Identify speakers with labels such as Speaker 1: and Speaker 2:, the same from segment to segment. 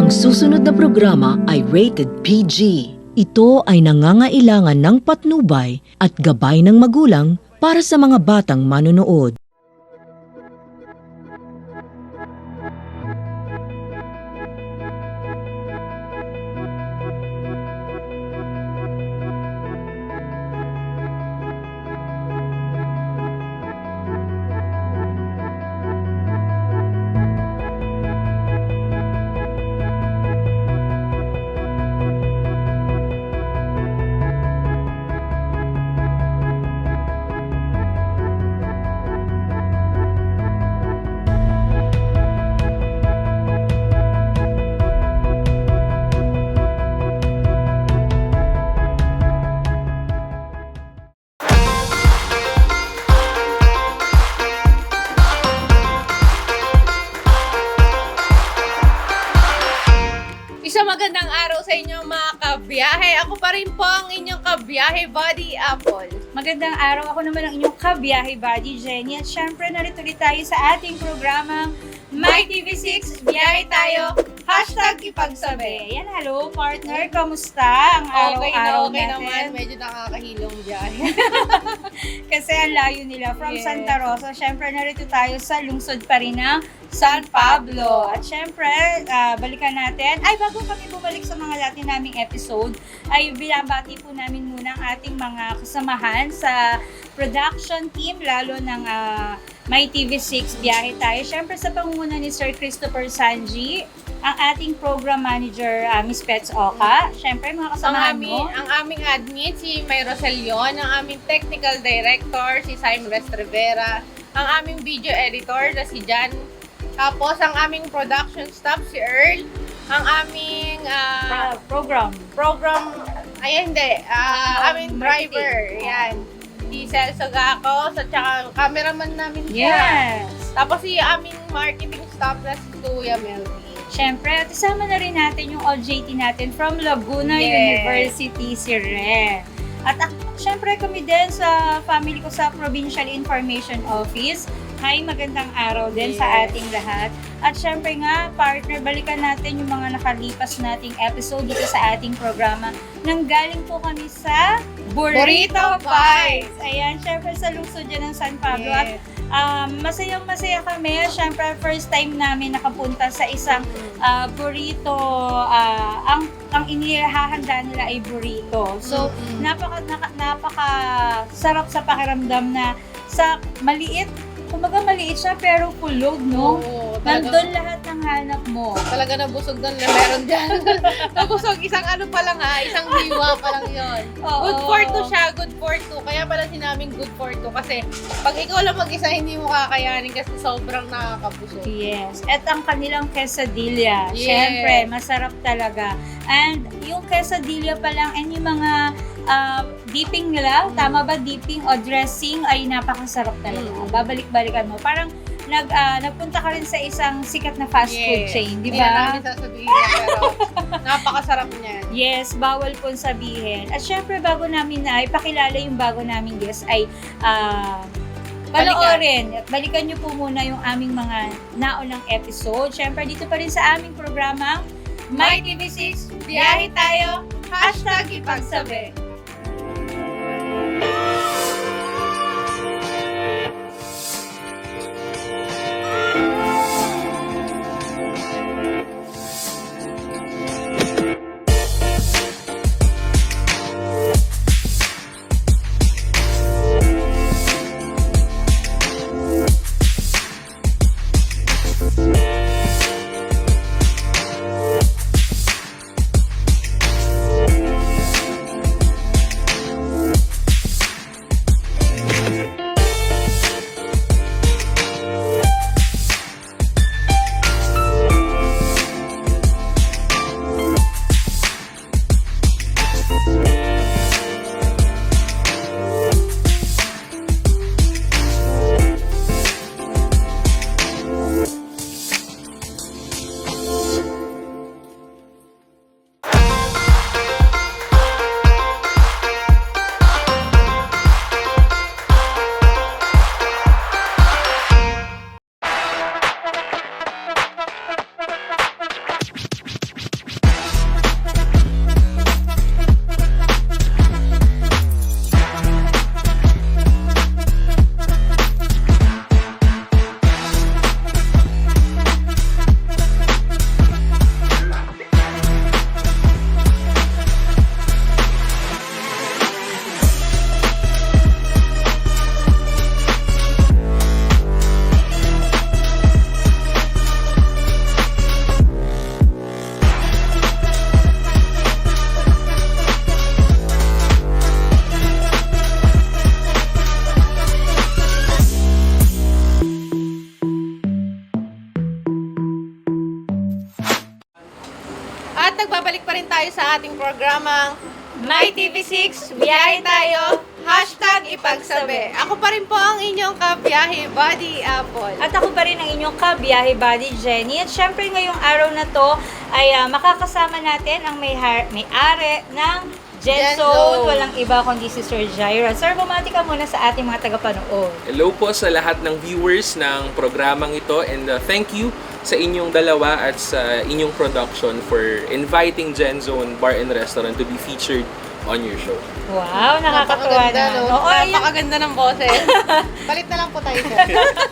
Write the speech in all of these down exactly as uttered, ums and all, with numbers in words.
Speaker 1: Ang susunod na programa ay rated P G. Ito ay nangangailangan ng patnubay at gabay ng magulang para sa mga batang manonood.
Speaker 2: Isang magandang araw sa inyo mga kabiyahe. Ako pa rin po ang inyong kabiyahe buddy, Apple.
Speaker 3: Magandang araw, ako naman ang inyong kabiyahe buddy, Jenny. At syempre, narito ulit tayo sa ating programang My T V six, biyahe tayo, hashtag ipagsabi. Yan, hello partner, kamusta ang
Speaker 2: Okay na,
Speaker 3: araw-araw
Speaker 2: okay
Speaker 3: natin?
Speaker 2: naman. Medyo nakakahilong biyahe.
Speaker 3: Kasi ang layo nila from
Speaker 2: Yes.
Speaker 3: Santa Rosa. Syempre, narito tayo sa lungsod pa rin ng San Pablo. At syempre, ah, balikan natin. Ay, bago kami bumalik sa mga dati naming episode, ay binabati po namin muna ang ating mga kasamahan sa production team, lalo ng ah, My T V six, biyahe tayo. Syempre, sa pangunguna ni Sir Christopher Sanji, ang ating program manager, ah, Miss Pets Oka. Syempre, mga
Speaker 2: ang,
Speaker 3: kasamahan
Speaker 2: aming,
Speaker 3: mo.
Speaker 2: ang aming admin, si May Roselion. Ang aming technical director, si Simon West Rivera. Ang aming video editor, na si Jan. Tapos, ang aming production staff, si Earl. Ang aming ah,
Speaker 3: Ah, program.
Speaker 2: program, ay hindi, ah,
Speaker 3: Ah,
Speaker 2: aming
Speaker 3: marketing.
Speaker 2: driver. Yan. Si Celso Gacos, at saka cameraman namin siya.
Speaker 3: Yes.
Speaker 2: Tapos si aming marketing staff na si Kuya Melvin.
Speaker 3: Siyempre, at isama na rin natin yung O J T natin from Laguna
Speaker 2: Yes.
Speaker 3: University, si Re. At ak- siyempre kami din sa family ko sa Provincial Information Office. Hi, magandang araw din sa
Speaker 2: Yes.
Speaker 3: ating lahat. At siyempre nga, partner, balikan natin yung mga nakalipas nating episode dito sa ating programa. Nanggaling po kami sa Burrito Pies. Ayan, siyempre sa lungsod dyan ng San Pablo. At
Speaker 2: Yes.
Speaker 3: Um, masayang masaya kami. Siyempre, first time namin nakapunta sa isang ah, burrito. ah, ang ang inihahanda nila ay burrito. So,
Speaker 2: Mm-mm.
Speaker 3: napaka, naka- napaka sarap sa pakiramdam na sa maliit, kumbaga maliit siya pero full load, no?
Speaker 2: Oo, talaga,
Speaker 3: Nandun lahat ng hanap mo.
Speaker 2: talaga nabusog doon na meron dyan. Nabusog, isang ano pa lang ha, isang liwa pa lang yun.
Speaker 3: Oo.
Speaker 2: Good for two siya, good for two. Kaya pala sinaming good for two. Kasi pag ikaw lang mag-isa, hindi mo kakayanin kasi sobrang nakakabusog.
Speaker 3: Yes. At ang kanilang quesadilla,
Speaker 2: Yes.
Speaker 3: syempre, masarap talaga. And yung quesadilla pa lang, and yung mga ah, dipping nila, tama ba dipping o dressing, ay napakasarap talaga.
Speaker 2: Mm.
Speaker 3: Babalik-balikan mo. Parang nag, ah, nagpunta ka rin sa isang sikat na fast food
Speaker 2: Yes.
Speaker 3: chain, di
Speaker 2: Hindi na
Speaker 3: ba?
Speaker 2: namin sasabihin yan, pero napakasarap niyan.
Speaker 3: Yes, bawal pong sabihin. At syempre, bago namin na ipakilala yung bago naming guest ay ah, panoorin at balikan nyo po muna yung aming mga naunang episode. Syempre, dito pa rin sa aming programa, My T V six, biyahe tayo, hashtag ipagsabi.
Speaker 2: nagbabalik pa rin tayo sa ating programang My T V six, biyahe tayo, hashtag ipagsabi. Ako pa rin po ang inyong kabiyahe, Buddy Apple.
Speaker 3: At ako pa rin ang inyong kabiyahe buddy Jenny. At syempre ngayong araw na to ay ah, makakasama natin ang may har- may-ari ng Gen
Speaker 2: Gen
Speaker 3: Zone.
Speaker 2: Zone.
Speaker 3: Walang iba kundi si Sir Jaira. Sir, bumati ka muna sa ating mga tagapanood.
Speaker 4: Hello po sa lahat ng viewers ng programang ito and uh, thank you sa inyong dalawa at sa inyong production for inviting Gen Zone Bar and Restaurant to be featured on your show.
Speaker 3: Wow, nakakatuwa
Speaker 2: Napakaganda,
Speaker 3: naman.
Speaker 2: no?
Speaker 3: Oo, ayan.
Speaker 2: Napakaganda ng boses. Palit na lang po tayo, sir.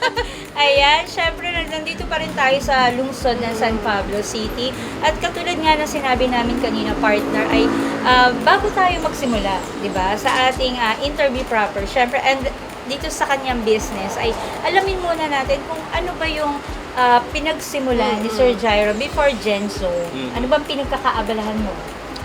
Speaker 3: Ayan, syempre nandito pa rin tayo sa lungsod ng San Pablo City. At katulad nga ng sinabi namin kanina, partner, ay ah, bago tayo magsimula, di ba, sa ating ah, interview proper, syempre, and dito sa kanyang business, ay alamin muna natin kung ano ba yung ah, pinagsimulan ni Sir Jairo before Gen Zone.
Speaker 4: Mhm.
Speaker 3: Ano bang pinagkakaabalahan mo?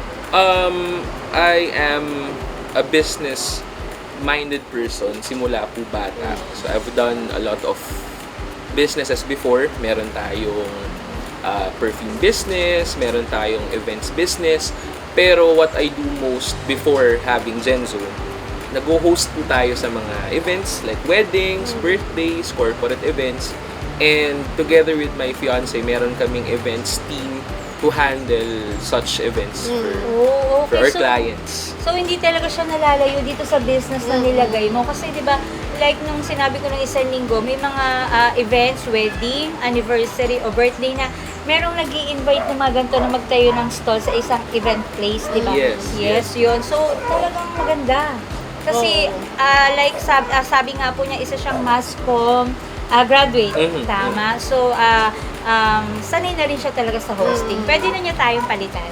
Speaker 4: Um, I am a business-minded person simula po bata. So I've done a lot of businesses before. Meron tayong uh, perfume business, meron tayong events business. Pero what I do most before having Gen Zone, nag-host po tayo sa mga events like weddings, birthdays, corporate events. And together with my fiance, meron kaming events team to handle such events for,
Speaker 3: Oh,
Speaker 4: for
Speaker 3: okay.
Speaker 4: our
Speaker 3: So,
Speaker 4: clients.
Speaker 3: So, hindi talaga siya nalalayo dito sa business na nilagay mo. Kasi, di ba, like nung sinabi ko nung isang linggo, may mga ah, events, wedding, anniversary, o birthday na merong nag invite ng mga ganito na magtayo ng stall sa isang event place, di ba?
Speaker 4: Yes,
Speaker 3: Yes, yun. So, talagang maganda. Kasi, ah, like sab- ah, sabi nga po niya, isa siyang mass comm ah, graduate.
Speaker 4: Mhm.
Speaker 3: Tama. So, ah, um, sanay na rin siya talaga sa hosting. Pwede na niya tayong palitan.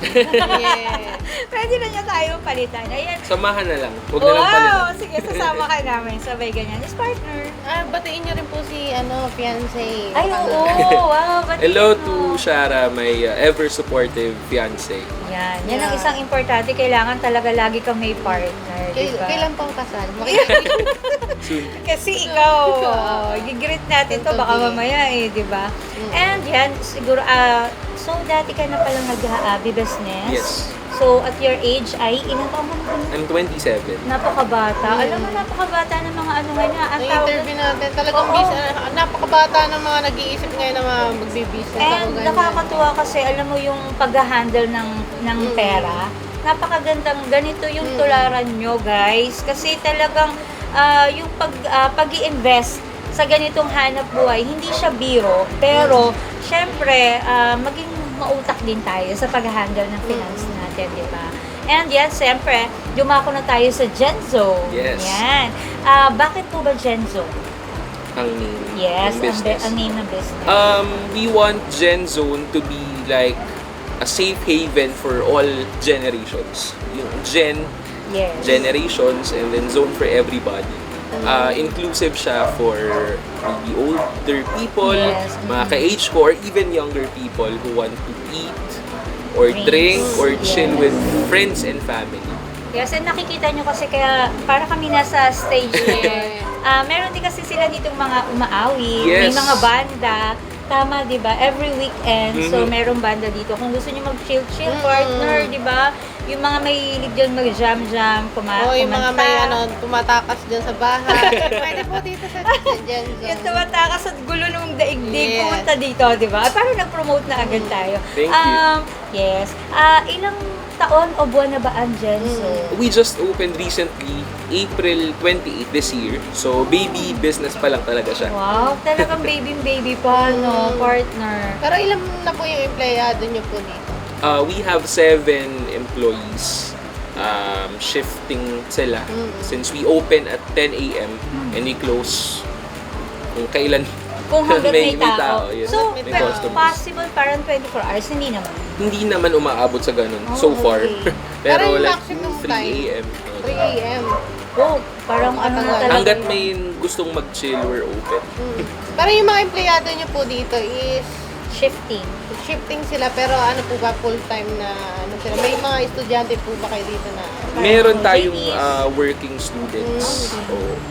Speaker 2: Yes.
Speaker 3: Pwede na niya tayong palitan. Ayan.
Speaker 4: Samahan na lang. Huwag na lang
Speaker 3: Wow!
Speaker 4: palitan.
Speaker 3: Sige, sasama ka namin. Sabay ganyan. Is partner.
Speaker 2: Ah, batiin niyo rin po si, ano, fiancé.
Speaker 3: Ay, oo. Wow. Ba't
Speaker 4: Hello
Speaker 3: yun,
Speaker 4: to
Speaker 3: no?
Speaker 4: Shara, my uh, ever-supportive fiancé.
Speaker 3: Yan. Yan ang
Speaker 2: Yeah.
Speaker 3: isang importante. Kailangan talaga lagi kang may partner.
Speaker 2: Kay,
Speaker 3: Diba?
Speaker 2: Kailan pong kasal? Makikita
Speaker 4: Soon.
Speaker 3: Kasi ikaw, oh, gigreet natin to baka mamaya eh, di ba? And yan, siguro, ah, so dati ka na palang nag-business.
Speaker 4: Yes.
Speaker 3: So, at your age ay, ilang taon mo na?
Speaker 4: I'm twenty-seven.
Speaker 3: Napakabata. Alam mo, napakabata ng mga ano nga na. Ang tawag
Speaker 2: Na-interview natin. Talagang
Speaker 3: Oo.
Speaker 2: bis, ah, napakabata ng mga nag-iisip ngayon na mga magbibusiness.
Speaker 3: And
Speaker 2: Ako ganyan.
Speaker 3: nakakatuwa kasi, alam mo yung pag-handle ng, ng pera, napakagandang ganito yung tularan nyo, guys. Kasi talagang ah, yung pag, ah, pag-i-invest sa ganitong hanap buhay, hindi siya biro, pero syempre, ah, maging mautak din tayo sa pag-handle ng finance natin, di ba? And yan, syempre, dumako na tayo sa Gen Zone.
Speaker 4: Yes.
Speaker 3: Yan. Ah, bakit po ba Gen Zone?
Speaker 4: Ang name
Speaker 3: Yes,
Speaker 4: ng
Speaker 3: ang,
Speaker 4: business.
Speaker 3: be- ang name ng business.
Speaker 4: Um, we want Gen Zone to be like a safe haven for all generations. Yung Gen,
Speaker 3: yes.
Speaker 4: generations, and then Zone for everybody. Uh, inclusive siya for maybe older people,
Speaker 3: Yes.
Speaker 4: mga ka-age ko, or even younger people who want to eat, or
Speaker 3: Drinks.
Speaker 4: drink, or
Speaker 3: Yes.
Speaker 4: chill with friends and family.
Speaker 3: Yes, and nakikita nyo kasi kaya para kami nasa stage ngayon. Ah, meron din kasi sila ditong mga umaawi, may
Speaker 4: Yes.
Speaker 3: mga banda. Tama, di ba? Every weekend, so
Speaker 4: Mhm.
Speaker 3: merong banda dito. Kung gusto nyo mag-chill-chill,
Speaker 2: Mhm.
Speaker 3: partner, di ba? Yung mga may hilig dyan mag-jam-jam, kuma-
Speaker 2: Oo, yung mga
Speaker 3: kumanta.
Speaker 2: may ano, tumatakas dyan sa bahay. Pwede po dito sa Gen Zone.
Speaker 3: Yung tumatakas at gulo ng daigdig,
Speaker 2: Yes.
Speaker 3: pumunta dito, di ba? Parang nag-promote na agad tayo.
Speaker 4: Thank you.
Speaker 3: Um, yes. Ah, ilang taon o buwan na ba ang Gen Zone?
Speaker 4: We just opened recently, April twenty-eighth this year. So, baby business pa lang talaga siya.
Speaker 3: Wow, talagang baby-baby pa, no, partner.
Speaker 2: Pero ilan na po yung empleyado nyo po dito?
Speaker 4: Uh, we have seven employees. Um, shifting sila. Since we open at ten a.m. and we close kung kailan
Speaker 3: Kung hanggang may,
Speaker 4: may
Speaker 3: tao.
Speaker 4: yes.
Speaker 3: So,
Speaker 2: May
Speaker 3: pero
Speaker 4: customers.
Speaker 3: possible parang twenty-four hours, hindi naman.
Speaker 4: Hindi naman umaabot sa ganun
Speaker 3: Oh,
Speaker 4: so far.
Speaker 3: okay.
Speaker 4: Pero
Speaker 2: Pero yung
Speaker 4: like
Speaker 2: maximum
Speaker 4: three a.m.
Speaker 2: three a.m.
Speaker 3: Oh, parang ano na talaga.
Speaker 4: Hanggat
Speaker 3: yun.
Speaker 4: may gustong mag-chill, we're open.
Speaker 2: Mm. Pero yung mga empleyado nyo po dito is
Speaker 3: Shifting.
Speaker 2: shifting sila, pero ano po ba, full-time na ano sila? May mga estudyante po ba kayo dito na?
Speaker 4: Meron
Speaker 3: Oh,
Speaker 4: tayong
Speaker 3: ladies.
Speaker 4: uh, working students.
Speaker 2: Mm.
Speaker 4: So,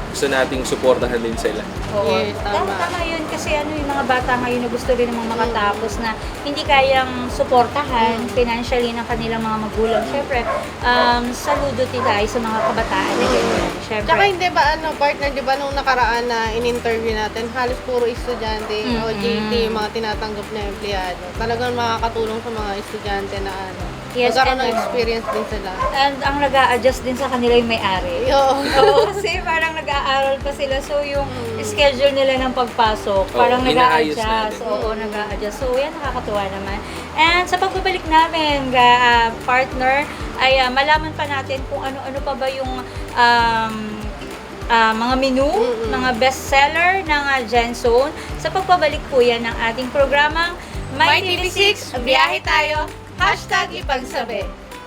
Speaker 4: gusto nating suportahan din sila.
Speaker 3: Oo.
Speaker 2: Yes, tama.
Speaker 3: Tama, tama yun kasi ano yung mga bata ngayon na gusto rin namang makatapos na hindi kayang suportahan financially ng kanilang mga magulang. Siyempre, um, saludo tayo sa mga kabataan na ganyan. Siyempre.
Speaker 2: Tsaka hindi ba ano, partner, di ba nung nakaraan na in-interview natin, halos puro estudyante o
Speaker 3: Mm-mm.
Speaker 2: J T, yung mga tinatanggap na empleyado. Talagang makakatulong sa mga estudyante na ano,
Speaker 3: Yes,
Speaker 2: magkaroon
Speaker 3: and-
Speaker 2: ng experience din sila.
Speaker 3: And ang nag adjust din sa kanila yung may-ari.
Speaker 2: Yo.
Speaker 3: Oo, kasi parang nag-aaral pa sila. So, yung schedule nila ng pagpasok, parang
Speaker 4: Oo, inaayos
Speaker 3: nag-a-adjust.
Speaker 4: natin.
Speaker 3: Oo, nag-a-adjust. So, yan, nakakatuwa naman. And sa pagbabalik namin, ga, ah, partner, ay ah, malaman pa natin kung ano-ano pa ba yung um, ah, mga menu, mga bestseller ng uh, GenZone. Sa pagbabalik po yan ng ating programang My T V six, biyahe tayo, hashtag ipagsabi.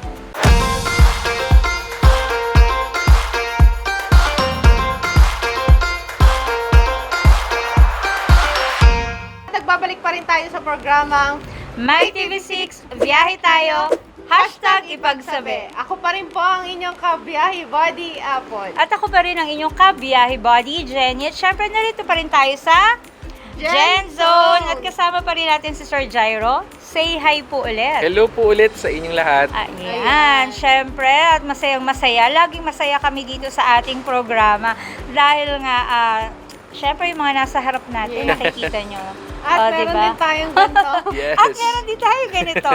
Speaker 2: Nagbabalik pa rin tayo sa programang
Speaker 3: My T V six, biyahe tayo, hashtag ipagsabi.
Speaker 2: Ako pa rin po ang inyong kabiyahe, Body Apple.
Speaker 3: At ako pa rin ang inyong kabiyahe body, Jenny. At syempre, narito pa rin tayo sa Gen Zone. At kasama pa rin natin si Sir Jairo. Say hi po ulit.
Speaker 4: Hello po ulit sa inyong lahat.
Speaker 3: Ayan, syempre, at masayang masaya. Laging masaya kami dito sa ating programa. Dahil nga, ah, syempre, yung mga nasa harap natin,
Speaker 2: Yeah.
Speaker 3: nakikita nyo.
Speaker 2: At
Speaker 3: Oh,
Speaker 2: meron
Speaker 3: diba?
Speaker 2: din tayong ganito.
Speaker 4: Yes.
Speaker 3: At meron din tayo ganito.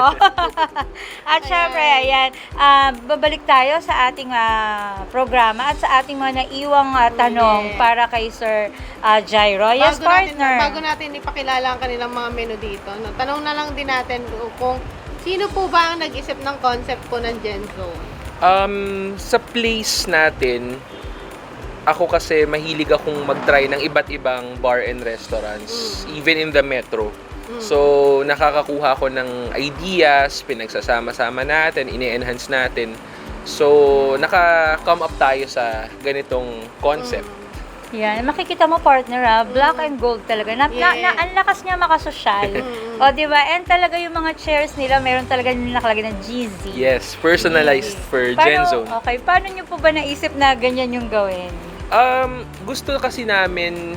Speaker 3: At syempre, ayan, ah, babalik tayo sa ating ah, programa at sa ating mga naiwang ah, tanong
Speaker 2: Yeah.
Speaker 3: para kay Sir ah, Jairo. Yes,
Speaker 2: bago natin,
Speaker 3: partner.
Speaker 2: bago natin ipakilala ang kanilang mga menu dito, no, tanong na lang din natin kung sino po ba ang nag-isip ng concept po ng GenZone?
Speaker 4: Um, sa place natin, ako kasi mahilig akong mag-try ng iba't ibang bar and restaurants, even in the metro. So, nakakakuha ko ng ideas, pinagsasama-sama natin, ini-enhance natin. So, naka-come up tayo sa ganitong concept.
Speaker 3: Yan, makikita mo partner ah, black and gold talaga. Na, na, na, ang lakas niya makasosyal. O, di ba? And talaga yung mga chairs nila, meron talaga yung nakalagay na G Z.
Speaker 4: Yes, personalized for
Speaker 3: Paano-
Speaker 4: GenZone.
Speaker 3: Okay, paano niyo po ba naisip na ganyan yung gawin?
Speaker 4: Um, gusto kasi namin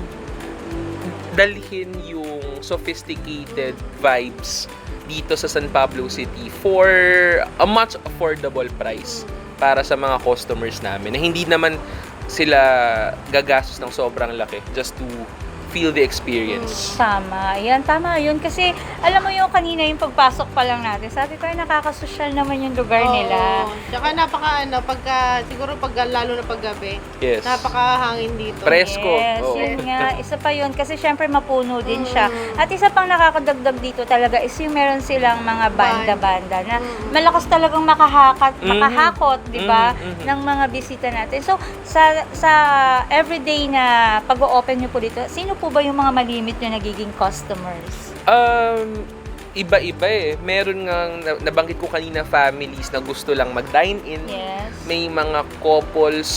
Speaker 4: dalhin yung sophisticated vibes dito sa San Pablo City for a much affordable price para sa mga customers namin na hindi naman sila gagastos ng sobrang laki just to feel the experience.
Speaker 3: Tama. Yan, tama yun. Kasi, alam mo yung kanina yung pagpasok pa lang natin, sabi ko, ay, nakakasosyal naman yung lugar nila.
Speaker 2: Oo. Tsaka napaka ano, pagka, siguro pag lalo na paggabi,
Speaker 4: Yes.
Speaker 2: napakahangin dito.
Speaker 4: Presko.
Speaker 3: Yes,
Speaker 4: Oo.
Speaker 3: yun nga. Isa pa yun. Kasi syempre mapuno din siya. At isa pang nakakadagdag dito talaga is yung meron silang mga banda-banda na malakas talagang makahakat,
Speaker 4: Mhm.
Speaker 3: makahakot, di ba,
Speaker 4: Mhm, mhm.
Speaker 3: ng mga bisita natin. So, sa sa everyday na pag-o-open nyo po dito, sino po ba yung mga malimit nyo nagiging customers?
Speaker 4: Um, iba-iba eh. Meron nga, na- nabanggit ko kanina, families na gusto lang mag-dine-in.
Speaker 3: Yes.
Speaker 4: May mga couples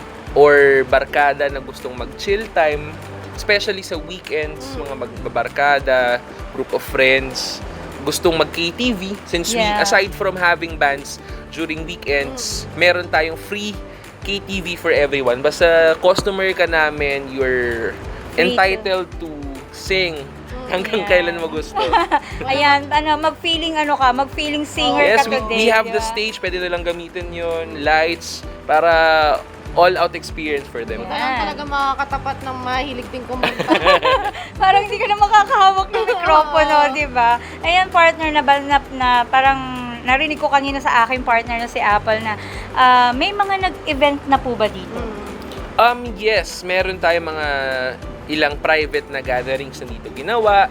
Speaker 4: or barkada na gustong mag-chill time. Especially sa weekends, mga magbabarkada, group of friends, gustong mag-K T V. Since we,
Speaker 3: Yeah.
Speaker 4: aside from having bands during weekends, meron tayong free K T V for everyone. Basta customer ka namin, you're
Speaker 3: Free to-
Speaker 4: entitled to sing hanggang
Speaker 3: Yeah.
Speaker 4: kailan mo gusto.
Speaker 3: Ayan, ano, mag-feeling ano ka, mag-feeling singer
Speaker 4: Yes,
Speaker 3: ka
Speaker 4: we,
Speaker 3: today.
Speaker 4: we have
Speaker 3: di
Speaker 4: the
Speaker 3: ba?
Speaker 4: stage, pwede nilang gamitin yun, lights, para all-out experience for them.
Speaker 2: Ito lang talaga makakatapat ng mahilig din kumanta.
Speaker 3: Parang hindi ka na makakahawak ng mikropono, di ba? Ayan, partner na, ba, na, na parang narinig ko kanina sa aking partner na si Apple na ah, may mga nag-event na po ba dito?
Speaker 4: Um, yes, meron tayong mga ilang private na gatherings na dito ginawa.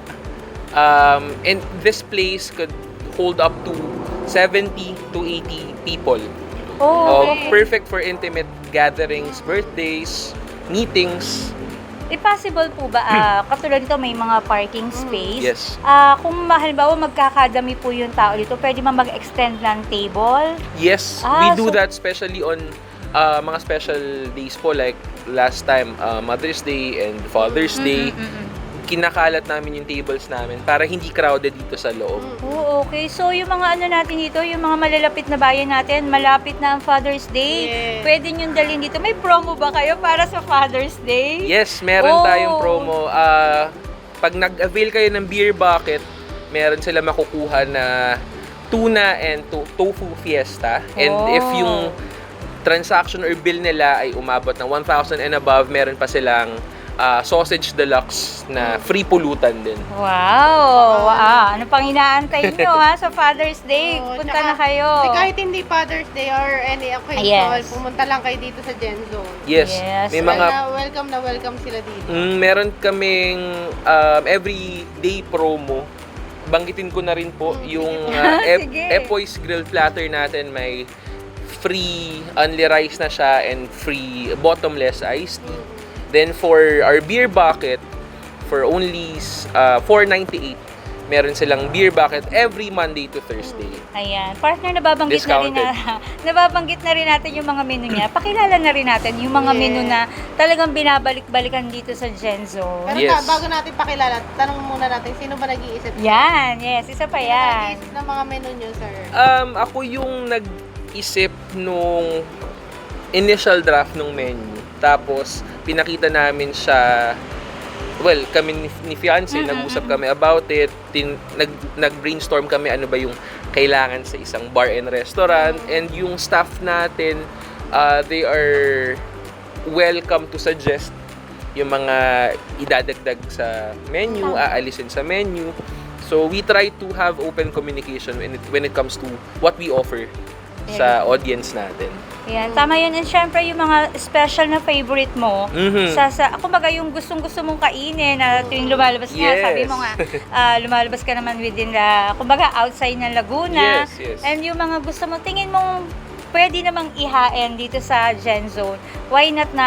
Speaker 4: Um, and this place could hold up to seventy to eighty people.
Speaker 3: Oh,
Speaker 4: Uh, perfect for intimate gatherings, birthdays, meetings.
Speaker 3: Eh, possible po ba, ah, katulad dito may mga parking space?
Speaker 4: Yes.
Speaker 3: Ah, kung halimbawa magkakadami po yung tao dito, pwede ba mag-extend ng table?
Speaker 4: Yes,
Speaker 3: Ah,
Speaker 4: we do
Speaker 3: so-
Speaker 4: that especially on uh, mga special days po like last time, uh, Mother's Day and Father's Day.
Speaker 3: Mm-mm-mm.
Speaker 4: kinakalat namin yung tables namin para hindi crowded dito sa loob.
Speaker 3: Oh, okay. So, yung mga ano natin dito, yung mga malalapit na bayan natin, malapit na ang Father's Day.
Speaker 2: Yes.
Speaker 3: Pwede nyo dalhin dito. May promo ba kayo para sa Father's Day?
Speaker 4: Yes, meron
Speaker 3: Oh.
Speaker 4: tayong promo. Ah, pag nag-avail kayo ng beer bucket, meron sila makukuha na tuna and to- tofu fiesta. And
Speaker 3: Oh.
Speaker 4: if yung transaction or bill nila ay umabot ng one thousand and above, meron pa silang ah, sausage deluxe na free pulutan din.
Speaker 3: Wow! Ah, ano pang inaantay nyo ha sa Father's Day?
Speaker 2: Oo,
Speaker 3: Punta
Speaker 2: tsaka,
Speaker 3: na kayo.
Speaker 2: Kasi kahit hindi Father's Day or any occasion,
Speaker 3: Yes.
Speaker 2: pumunta lang kayo dito sa Gen Zone.
Speaker 4: Yes,
Speaker 3: Yes.
Speaker 4: may
Speaker 2: Well,
Speaker 4: mga
Speaker 2: na welcome na welcome sila dito.
Speaker 4: Mm, meron kaming um, everyday promo. Banggitin ko na rin po yung uh, Ep-
Speaker 3: Sige.
Speaker 4: Epoy's Grilled Platter natin. May free only rice na siya and free bottomless iced tea. Then for our beer bucket, for only uh, four ninety-eight, meron silang beer bucket every Monday to Thursday.
Speaker 3: Ayan. Partner, nababanggit na rin na, nababanggit na rin natin yung mga menu niya. Pakilala na rin natin yung mga
Speaker 2: Yes.
Speaker 3: menu na talagang binabalik-balikan dito sa Gen Zone.
Speaker 2: Pero
Speaker 4: Yes.
Speaker 2: ta- bago natin pakilala, tanong muna natin, sino ba nag-iisip?
Speaker 3: Yan, yes. Isa pa
Speaker 2: Sino
Speaker 3: yan.
Speaker 2: nag-iisip ng mga menu nyo, sir?
Speaker 4: Um, ako yung nag-isip nung initial draft ng menu. Tapos, pinakita namin siya, well, kami ni, ni fiancé,
Speaker 3: Mm,
Speaker 4: nag-usap
Speaker 3: mm,
Speaker 4: kami about it, tin, nag, nag-brainstorm kami ano ba yung kailangan sa isang bar and restaurant, and yung staff natin, uh, they are welcome to suggest yung mga idadagdag sa menu,
Speaker 3: Tama.
Speaker 4: aalisin sa menu. So, we try to have open communication when it, when it comes to what we offer sa audience natin.
Speaker 3: Yan, tama yun. And syempre, yung mga special na favorite mo,
Speaker 4: Mhm.
Speaker 3: sa, sa, kumbaga yung gustong-gusto mong kainin na tuwing lumalabas nga,
Speaker 4: Yes.
Speaker 3: sabi mo nga, ah, lumalabas ka naman within the, kumbaga outside ng Laguna.
Speaker 4: Yes, yes.
Speaker 3: And yung mga gusto mo, tingin mong pwede namang ihain dito sa Gen Zone. Why not na,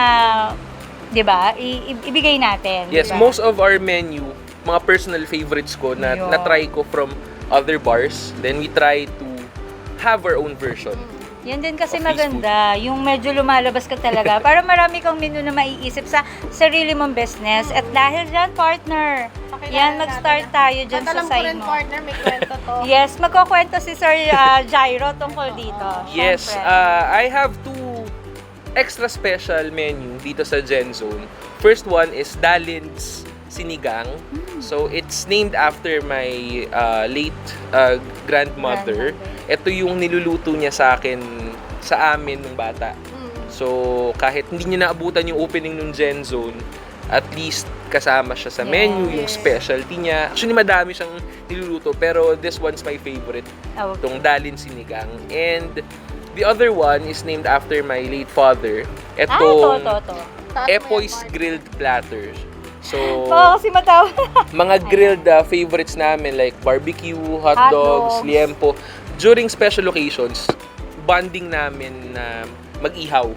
Speaker 3: di ba, I- i- ibigay natin.
Speaker 4: Yes,
Speaker 3: di ba?
Speaker 4: most of our menu, mga personal favorites ko na
Speaker 3: Yun.
Speaker 4: na-try ko from other bars, then we try to have our own version.
Speaker 3: Yan din kasi
Speaker 4: of this
Speaker 3: maganda, yung medyo lumalabas ka talaga. Para marami kang menu na maiisip sa sarili mong business. At dahil dyan, partner,
Speaker 2: Pakilala
Speaker 3: yan, mag-start
Speaker 2: natin.
Speaker 3: tayo dyan
Speaker 2: At
Speaker 3: sa
Speaker 2: alam ko
Speaker 3: side
Speaker 2: rin,
Speaker 3: mo.
Speaker 2: partner, may kwento to.
Speaker 3: Yes, magkukwento si Sir uh, Jairo tungkol dito.
Speaker 4: Yes,
Speaker 3: Syempre.
Speaker 4: uh, I have two extra special menu dito sa Gen Zone. First one is Dalin's Sinigang.
Speaker 3: Hmm.
Speaker 4: So, it's named after my uh, late uh, grandmother.
Speaker 3: Grandmother.
Speaker 4: Ito yung niluluto niya sa akin, sa amin nung bata.
Speaker 2: Mm.
Speaker 4: So, kahit hindi niya naabutan yung opening ng Gen Zone, at least kasama siya sa
Speaker 3: Yes.
Speaker 4: menu, yung specialty niya. Actually, madami siyang niluluto, pero this one's my favorite,
Speaker 3: Oh,
Speaker 4: itong Dalin Sinigang. And the other one is named after my late father.
Speaker 3: ah, ito,
Speaker 4: Itong
Speaker 3: ito, ito.
Speaker 2: Taas mo yan,
Speaker 4: Epoy's
Speaker 2: partner.
Speaker 4: Grilled Platter. So,
Speaker 3: Oo, kasi matawa.
Speaker 4: mga grilled uh, favorites namin like barbecue, hot,
Speaker 3: Hot
Speaker 4: dogs,
Speaker 3: dogs.
Speaker 4: liempo. During special occasions, bonding namin na mag-ihaw.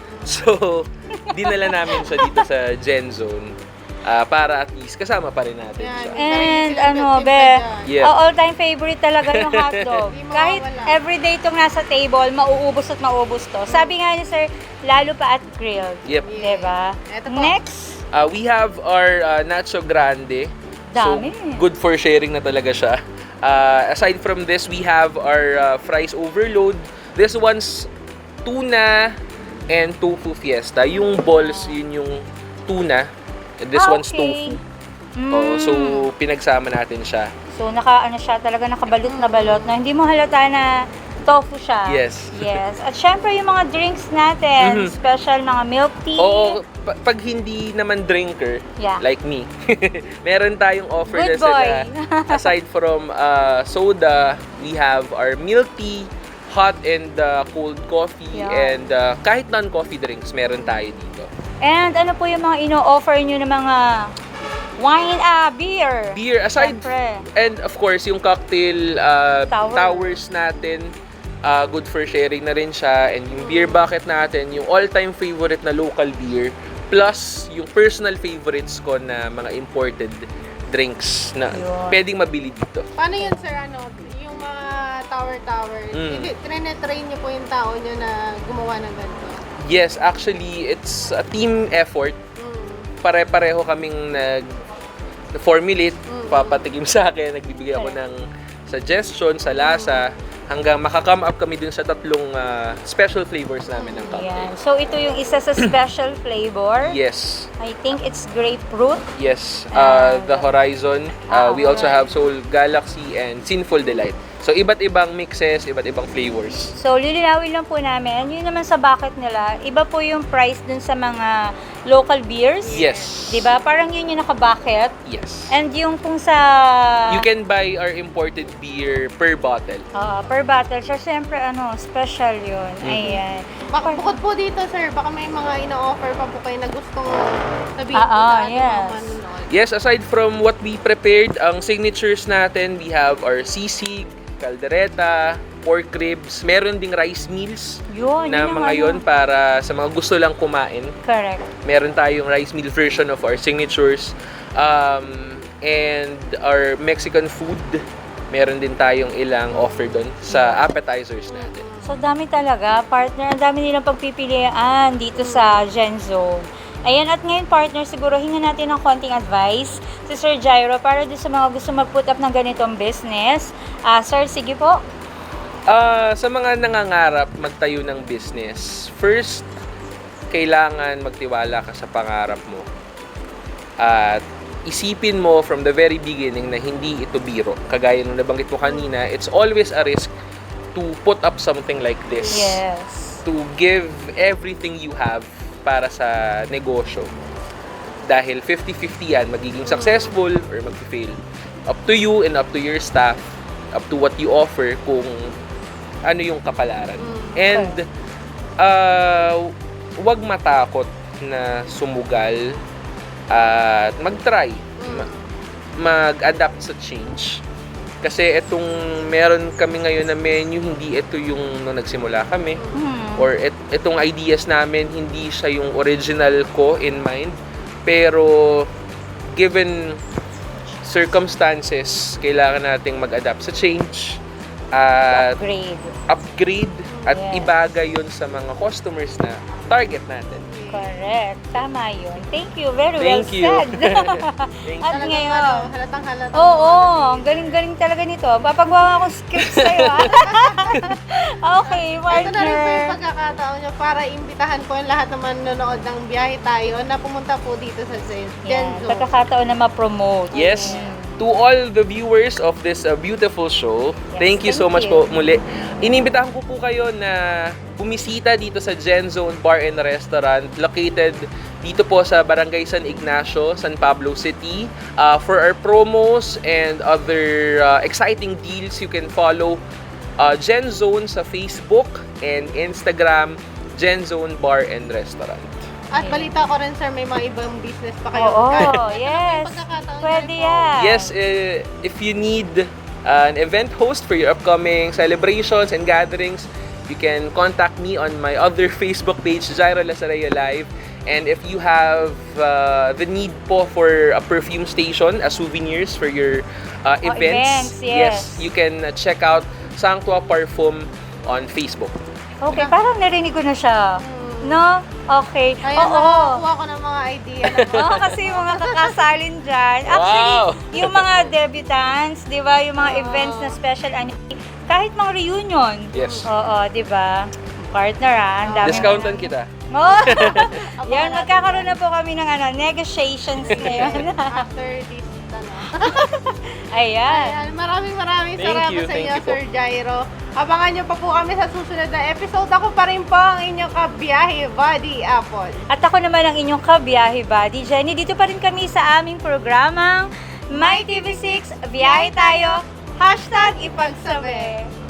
Speaker 4: So, dinala namin siya dito sa Gen Zone ah, para at least kasama pa rin natin
Speaker 2: Yan.
Speaker 4: siya.
Speaker 3: And
Speaker 2: Sarili
Speaker 3: ano,
Speaker 2: silang
Speaker 3: be,
Speaker 2: timpla dyan.
Speaker 4: Yeah.
Speaker 3: ang all-time favorite talaga yung hotdog.
Speaker 2: Hindi
Speaker 3: Kahit
Speaker 2: mawawala.
Speaker 3: everyday itong nasa table, mauubos at mauubos to. Sabi nga ni Sir, lalo pa at grilled.
Speaker 4: Yep.
Speaker 3: Diba?
Speaker 2: Ito po.
Speaker 3: Next,
Speaker 4: Ah, we have our uh, Nacho Grande.
Speaker 3: Dami.
Speaker 4: So, good for sharing na talaga siya. Uh, aside from this, we have our uh, fries overload. This one's tuna and tofu fiesta. Yung balls, yun yung tuna. And this
Speaker 3: Ah,
Speaker 4: one's
Speaker 3: okay.
Speaker 4: tofu.
Speaker 3: Mm.
Speaker 4: Oh, so, pinagsama natin siya.
Speaker 3: So, naka, ano siya, talaga nakabalot na balot na hindi mo halata na tofu siya.
Speaker 4: Yes.
Speaker 3: Yes. At syempre, yung mga drinks natin,
Speaker 4: Mhm.
Speaker 3: special mga milk tea.
Speaker 4: Oo, pa- pag hindi naman drinker,
Speaker 3: Yeah.
Speaker 4: like me, meron tayong offer
Speaker 3: Good
Speaker 4: na sila.
Speaker 3: boy.
Speaker 4: Aside from uh, soda, we have our milk tea, hot and uh, cold coffee,
Speaker 3: Yeah.
Speaker 4: and uh, kahit non-coffee drinks, meron tayo dito.
Speaker 3: And ano po yung mga ino-offer nyo ng mga wine, ah, beer?
Speaker 4: Beer, aside,
Speaker 3: Syempre.
Speaker 4: and of course, yung cocktail uh,
Speaker 3: Tower.
Speaker 4: towers natin, uh, good for sharing na rin siya. And yung beer bucket natin, yung all-time favorite na local beer, plus yung personal favorites ko na mga imported drinks na
Speaker 3: Yun.
Speaker 4: pwedeng mabili dito.
Speaker 2: Paano yun, sir? Ano, yung mga tower-tower,
Speaker 4: Mm.
Speaker 2: mm. trine-train niyo po yung tao niyo na gumawa ng ganito?
Speaker 4: Yes, actually, it's a team effort.
Speaker 2: Mm.
Speaker 4: Pare-pareho kaming nag formulate, papatikim sa akin, nagbibigay ako ng suggestion sa lasa, hanggang makakome up kami dun sa tatlong ah, special flavors namin ng
Speaker 3: Ayan.
Speaker 4: cocktail.
Speaker 3: So, ito yung isa sa special flavor.
Speaker 4: Yes.
Speaker 3: I think it's grapefruit.
Speaker 4: Yes, uh, the Horizon. Uh,
Speaker 3: Ah,
Speaker 4: we also
Speaker 3: alright.
Speaker 4: have Soul Galaxy and Sinful Delight. So, iba't ibang mixes, iba't ibang flavors.
Speaker 3: So, lilinawin lang po namin. Yun naman sa bucket nila, iba po yung price dun sa mga local beers.
Speaker 4: Yes.
Speaker 3: Diba? Parang yun yung naka-bucket.
Speaker 4: Yes.
Speaker 3: And yung kung sa...
Speaker 4: You can buy our imported beer per bottle.
Speaker 3: Ah, per bottle. So, syempre, ano, special yun.
Speaker 4: Mm-hmm.
Speaker 3: Ayan.
Speaker 2: Baka, bukod po dito, sir, baka may mga ina-offer pa po kayo na gustong sabihin
Speaker 3: Ah,
Speaker 2: po
Speaker 3: ah,
Speaker 2: sa ating
Speaker 3: yes.
Speaker 2: mga manunood.
Speaker 4: Yes, aside from what we prepared, ang signatures natin, we have our sisig, caldereta, pork ribs, meron ding rice meals
Speaker 3: Yun,
Speaker 4: na
Speaker 3: yun ang
Speaker 4: mga
Speaker 3: ano.
Speaker 4: yon para sa mga gusto lang kumain.
Speaker 3: Correct.
Speaker 4: Meron tayong rice meal version of our signatures. Um, and our Mexican food, meron din tayong ilang offer doon sa appetizers natin.
Speaker 3: So, dami talaga, partner. Ang dami nilang pagpipilian dito sa Gen Zone. Ayan, at ngayon, partner, siguro hinga natin ng konting advice si Sir Jairo para doon sa mga gusto mag-put up ng ganitong business. Ah, sir, sige po.
Speaker 4: Ah, sa mga nangangarap magtayo ng business, first, kailangan magtiwala ka sa pangarap mo. At isipin mo from the very beginning na hindi ito biro. Kagaya nung nabanggit mo kanina, it's always a risk to put up something like this.
Speaker 3: Yes.
Speaker 4: To give everything you have para sa negosyo. Dahil fifty-fifty yan, magiging successful or mag-fail. Up to you and up to your staff, up to what you offer kung ano yung kapalaran. And uh, wag matakot na sumugal at mag-try. Ma- mag-adapt sa change. Kasi itong meron kami ngayon na menu, hindi ito yung nung nagsimula kami.
Speaker 3: Hmm.
Speaker 4: Or et, itong ideas namin, hindi siya yung original ko in mind. Pero given circumstances, kailangan nating mag-adapt sa change. At
Speaker 3: Upgrade.
Speaker 4: upgrade at
Speaker 3: Yes.
Speaker 4: ibagay yun sa mga customers na target natin.
Speaker 3: Correct. Tama yun. Thank you. Very
Speaker 4: Thank
Speaker 3: well
Speaker 4: you.
Speaker 3: said.
Speaker 4: Thank
Speaker 3: At
Speaker 2: Talagang
Speaker 3: ngayon,
Speaker 2: ano, halatang halata.
Speaker 3: oo, ang galing-galing talaga nito. Papagawa akong script sa'yo. ah. Okay,
Speaker 2: Ito na rin po yung
Speaker 3: partner.
Speaker 2: pagkakataon nyo para imbitahan po yung lahat na manonood ng biyahe tayo na pumunta po dito sa Gen
Speaker 3: Yan,
Speaker 2: Zone.
Speaker 3: pagkakataon na ma-promote.
Speaker 4: Yes.
Speaker 3: Mm.
Speaker 4: To all the viewers of this uh, beautiful show,
Speaker 3: Yes,
Speaker 4: thank you so
Speaker 3: thank
Speaker 4: much
Speaker 3: you.
Speaker 4: po muli. Inimbitahan ko po kayo na bumisita dito sa Gen Zone Bar and Restaurant located dito po sa Barangay San Ignacio, San Pablo City. Uh, for our promos and other uh, exciting deals, you can follow uh, Gen Zone sa Facebook and Instagram, Gen Zone Bar and Restaurant.
Speaker 2: At balita ko rin, sir, may mga ibang business pa kayo.
Speaker 3: Oo,
Speaker 2: Kahit-
Speaker 3: yes.
Speaker 2: Pagkakataon
Speaker 3: Pwede
Speaker 2: na rin po.
Speaker 3: yan.
Speaker 4: Yes, uh, if you need an event host for your upcoming celebrations and gatherings, you can contact me on my other Facebook page, Jairo Lazarillo Live. And if you have uh, the need po for a perfume station, as souvenirs for your uh,
Speaker 3: Oh,
Speaker 4: events,
Speaker 3: events, yes.
Speaker 4: you can uh, check out Sanctua Parfum on Facebook.
Speaker 3: Okay, parang narinig ko na siya. No? Okay.
Speaker 2: Ayan,
Speaker 3: Oo.
Speaker 2: nakakuha ko ng mga idea. Na
Speaker 3: Oo, kasi yung mga kakasalin dyan. Actually,
Speaker 4: Wow!
Speaker 3: yung mga debutants, di ba? Yung mga
Speaker 2: Oo.
Speaker 3: events na special, ano, kahit mga reunion.
Speaker 4: Yes.
Speaker 3: Oo, di ba? Partner ah, ang dami.
Speaker 4: Discountan kita.
Speaker 3: Oo. Yan, magkakaroon na po kami ng ano, negotiations ngayon.
Speaker 2: After this, ano.
Speaker 3: Ayan.
Speaker 2: Ayan, maraming maraming
Speaker 4: Thank
Speaker 2: salamat
Speaker 4: you,
Speaker 2: sa
Speaker 4: thank
Speaker 2: inyo,
Speaker 4: you po.
Speaker 2: Sir Jairo. Abangan nyo pa po kami sa susunod na episode. Ako pa rin po ang inyong kabiyahe, Buddy Apple.
Speaker 3: At ako naman ang inyong kabiyahe buddy, Jenny. Dito pa rin kami sa aming programang My T V six, biyahe tayo, hashtag ipagsabi.